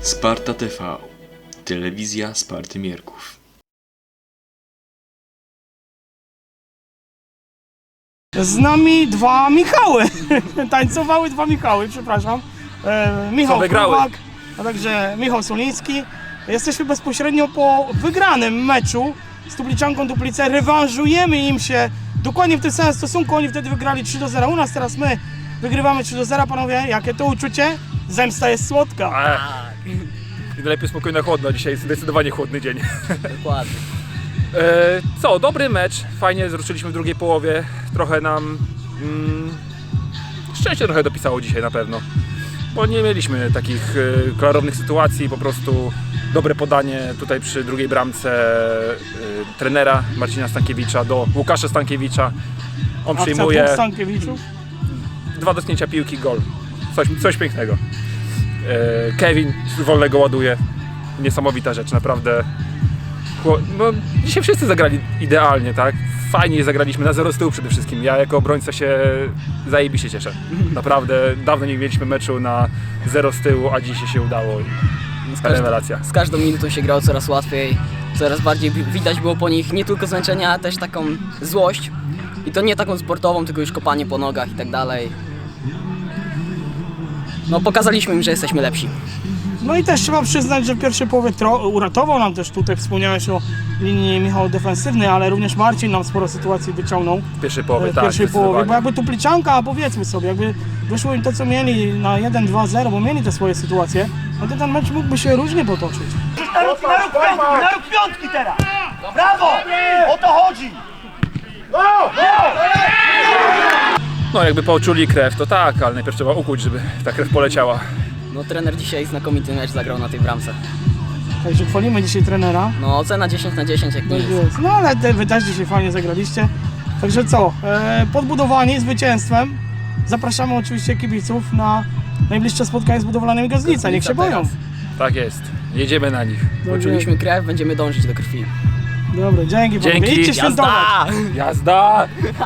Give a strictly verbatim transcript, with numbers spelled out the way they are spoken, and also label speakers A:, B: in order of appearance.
A: Sparta T V. Telewizja Sparty Mierków.
B: Z nami dwa Michały. Tańcowały dwa Michały, przepraszam. E, Michał Kowak, a także Michał Soliński. Jesteśmy bezpośrednio po wygranym meczu z Tubliczanką Duplice. Rewanżujemy im się dokładnie w tym samym stosunku. Oni wtedy wygrali trzy do zera u nas, teraz my wygrywamy trzy do zera. Panowie, jakie to uczucie? Zemsta jest słodka.
C: Tak. I najlepiej spokojna, chłodno. Dzisiaj jest zdecydowanie chłodny dzień.
D: Dokładnie.
C: E, co, dobry mecz. Fajnie zruszyliśmy w drugiej połowie. Trochę nam... Mm, szczęście trochę dopisało dzisiaj na pewno. Bo nie mieliśmy takich e, klarownych sytuacji. Po prostu dobre podanie tutaj przy drugiej bramce e, trenera Marcina Stankiewicza do Łukasza Stankiewicza. On
B: Akcja
C: przyjmuje
B: dwóch Stankiewiczów.
C: dwa dotknięcia piłki, gol. Coś, coś pięknego. E, Kevin z wolnego ładuje. Niesamowita rzecz, naprawdę. No, dzisiaj wszyscy zagrali idealnie, tak? Fajnie zagraliśmy na zero z tyłu przede wszystkim. Ja jako obrońca się zajebiście cieszę. Naprawdę dawno nie mieliśmy meczu na zero z tyłu, a dzisiaj się udało.
D: Z,
C: Rewelacja.
D: z każdą minutą się grało coraz łatwiej, coraz bardziej widać było po nich nie tylko zmęczenie, ale też taką złość. I to nie taką sportową, tylko już kopanie po nogach i tak dalej. No pokazaliśmy im, że jesteśmy lepsi.
B: No i też trzeba przyznać, że w pierwszej połowie uratował nam też, tutaj wspomniałeś o linii Michał defensywnej, ale również Marcin nam sporo sytuacji wyciągnął
C: W pierwszej połowie,
B: w
C: tak.
B: pierwszej połowie, bo
C: zdecydowanie.
B: jakby Tupliczanka, powiedzmy sobie, jakby wyszło im to, co mieli na jeden dwa zero, bo mieli te swoje sytuacje, no to ten mecz mógłby się różnie potoczyć.
E: Na róg, na róg piątki, na róg piątki teraz! Brawo! O to chodzi!
C: No jakby poczuli krew, to tak, ale najpierw trzeba ukuć, żeby ta krew poleciała.
D: No trener dzisiaj znakomity mecz zagrał na tej bramce.
B: Także chwalimy dzisiaj trenera.
D: No ocena dziesięć na dziesięć jak
B: Tak
D: nic.
B: jest. No ale te, wy też dzisiaj fajnie zagraliście. Także co, e, podbudowani zwycięstwem. Zapraszamy oczywiście kibiców na najbliższe spotkanie z budowlanymi Gazlica. Niech się boją.
D: teraz.
C: Tak jest, jedziemy na nich.
D: Poczuliśmy krew, będziemy dążyć do krwi.
B: Dobra, dzięki panowie.
C: Dzięki.
B: Idźcie świętować.
D: Jazda!
C: Jazda!